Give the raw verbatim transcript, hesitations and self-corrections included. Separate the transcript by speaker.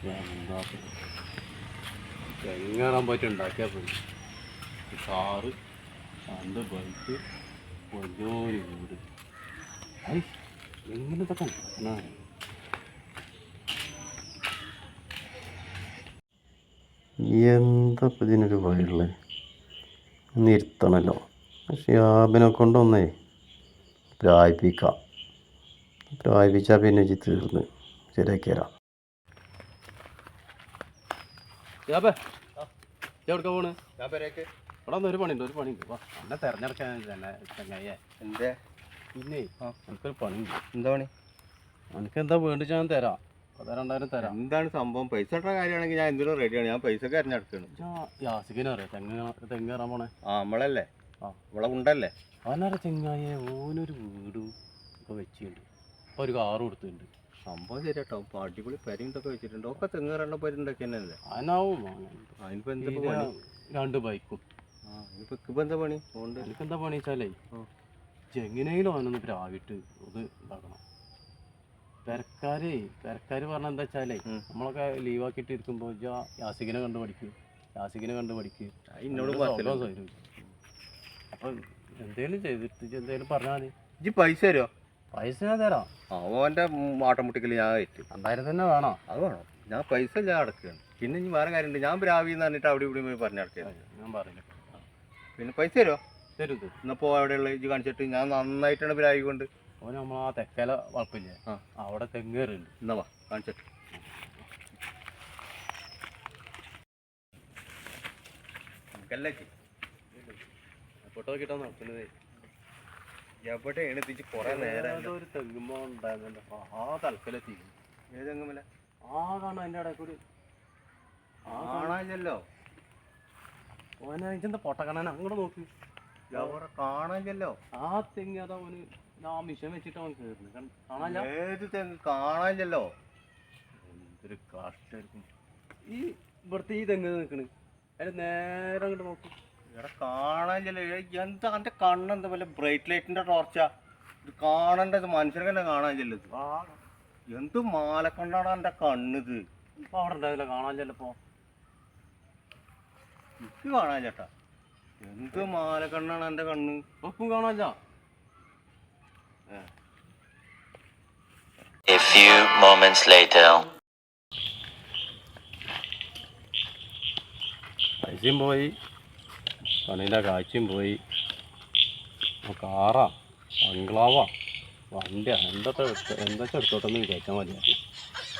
Speaker 1: എന്താ തെങ്ങേറാൻ പറ്റി ഉണ്ടാക്കിയാൽ പോയി കാറ് രണ്ട് ബൈക്ക് വലിയൊരു വീട് ഐ എങ്ങനത്തൊക്കെ എന്താ ഇപ്പം ഇതിനൊരു വഴിയുള്ളത് നിർത്തണല്ലോ ഷിയാബിനെ കൊണ്ടൊന്നേ പ്രായിപ്പിക്കാം പ്രായിപ്പിച്ചാൽ പിന്നെ ഇജ്ജ് തീർന്ന് ശരിയാക്കി തരാം. ഷിയാബേ എവിടേക്കാ പോണ്? ഞാൻ പേരേക്ക് ഇവിടെ ഒന്ന് ഒരു പണിയുണ്ട് ഒരു പണിയുണ്ട് വാ എന്നെ തിരഞ്ഞെടുക്കാൻ തന്നെ ചങ്ങായിയെ എന്തേ പിന്നെ ആ എനിക്കൊരു പണിയുണ്ട്. എന്താ പണി? എനിക്ക് എന്താ വേണ്ടി ഞാൻ തരാം രണ്ടായിരം തരാം. എന്താണ് സംഭവം? പൈസ ഇട്ട കാര്യമാണെങ്കിൽ ഞാൻ എന്തിനും റെഡിയാണ്. ഞാൻ പൈസ തിരഞ്ഞെടുക്കണം. യാസിക്കിനെ അറിയാം തെങ്ങ് തെങ്ങ് കയറാൻ പോണേ. ആ നമ്മളല്ലേ ആ ഇവിടെ ഉണ്ടല്ലേ അവനറിയ ചെങ്ങായെ ഓനൊരു വീടും ഒക്കെ വെച്ചിട്ടുണ്ട് അപ്പോൾ ഒരു കാറും കൊടുത്തിട്ടുണ്ട്. സംഭവം ശരിയാട്ടോ ഇപ്പം അടിപൊളി പെരയും ഇതൊക്കെ വെച്ചിട്ടുണ്ട്. ഒക്കെ തെങ്ങ് കയറേണ്ട പെരുണ്ടൊക്കെ തന്നെയല്ലേ അതിനാവും. അതിനിപ്പോൾ എന്താ പണി? രണ്ട് ബൈക്കും. ആ ഇനിയിപ്പോൾ ഇപ്പം എന്താ പണി? അതുകൊണ്ട് എനിക്കെന്താ പണി വെച്ചാലേ എങ്ങനെയും അവനൊന്ന് പ്രാവിട്ട് ഇത് ഇതാക്കണം. പെരക്കാരേ പെരക്കാർ പറഞ്ഞാൽ എന്താ വെച്ചാലേ നമ്മളൊക്കെ ലീവാക്കിയിട്ട് ഇരിക്കുമ്പോൾ യാസിക്കിനെ കണ്ട് പഠിക്കും യാസിക്കിനെ കണ്ട് പഠിക്കും എന്നോട് അപ്പം എന്തേലും ചെയ്തിട്ട് എന്തേലും പറഞ്ഞാൽ മതി. ഇജ്ജ് പൈസ തരുമോ? പൈസ ഞാൻ തരാം. ആ ഓൻ്റെ ആട്ടം മുട്ടിക്കൽ ഞാൻ ഏറ്റു. രണ്ടായിരം തന്നെ വേണോ? അത് വേണം. ഞാൻ പൈസ ഞാൻ അടക്കുകയാണ്. പിന്നെ ഇനി വേറെ കാര്യമുണ്ട്. ഞാൻ പ്രാവിന്ന് പറഞ്ഞിട്ട് അവിടെ ഇവിടെ പോയി പറഞ്ഞടക്കുകയാണ്. ഞാൻ പറയില്ല. പിന്നെ പൈസ തരുമോ? തരും തരും. എന്നപ്പോൾ അവിടെയുള്ള ഇജ്ജ് കാണിച്ചിട്ട് ഞാൻ നന്നായിട്ടാണ് പ്രാവി കൊണ്ട് ഓന് നമ്മൾ ആ തെക്കല വളപ്പില്ലേ ആ അവിടെ തെങ്ങേറുണ്ട്. എന്നാ വാ കാണിച്ചിട്ട് നമുക്കല്ലേ ഫോട്ടോ കിട്ടാൻ നടക്കുന്നത് എവിടെയാണ് എത്തിച്ച് കുറെ നേരം ഒരു തെങ്ങുമ്പോ ഉണ്ടായിരുന്നല്ലോ ആ തലക്കലെത്തി. ഏത് തെങ്ങുമല്ല? ആ കാണാം അതിൻ്റെ ഇടയിൽ കൂടി കാണാനില്ലല്ലോ. ഓനെ എന്താ പൊട്ട കാണാൻ അങ്ങോട്ട് നോക്കി കാണാനില്ലല്ലോ. ആ തെങ്ങ് അതാ ഓന് ആ മിഷൻ വെച്ചിട്ട് അവൻ കയറുന്നു കാണാനില്ല. ഏത് തെങ്ങ് കാണാനില്ലല്ലോ. എന്തൊരു കാഷ്ടായിരിക്കും ഈ ഇവിടുത്തെ ഈ തെങ്ങ് നിൽക്കണ് അതിന് നേരെ അങ്ങോട്ട് നോക്കി ഇവിടെ കാണാനില്ലല്ലോ. എന്താ എൻ്റെ കണ്ണെന്താ വല്ല ബ്രൈറ്റ് ലൈറ്റിൻ്റെ ടോർച്ചാ ഇത് കാണേണ്ടത്? മനുഷ്യർക്ക് തന്നെ കാണാനില്ലല്ലോ. ഇത് എന്ത് മാലക്കണ്ണാണ് എൻ്റെ കണ്ണിത്. ഇപ്പം അവിടെ ഉണ്ടാവില്ല കാണാനില്ലല്ലോ. ഇപ്പോൾ എനിക്ക് കാണാനില്ലേട്ടാ. എന്ത് മാലക്കണ്ണാണ് എൻ്റെ കണ്ണ്. ഇപ്പം കാണാനില്ല.
Speaker 2: A few moments later.
Speaker 1: പൈസയും പോയി പണീൻ്റെ കാഴ്ചയും പോയി. കാറാ ബംഗ്ലാവാ വണ്ടിയാ എന്തൊക്കെ എന്താ എടുത്തോട്ടെന്ന് വിചാരിച്ചാൽ മതിയായിരുന്നു.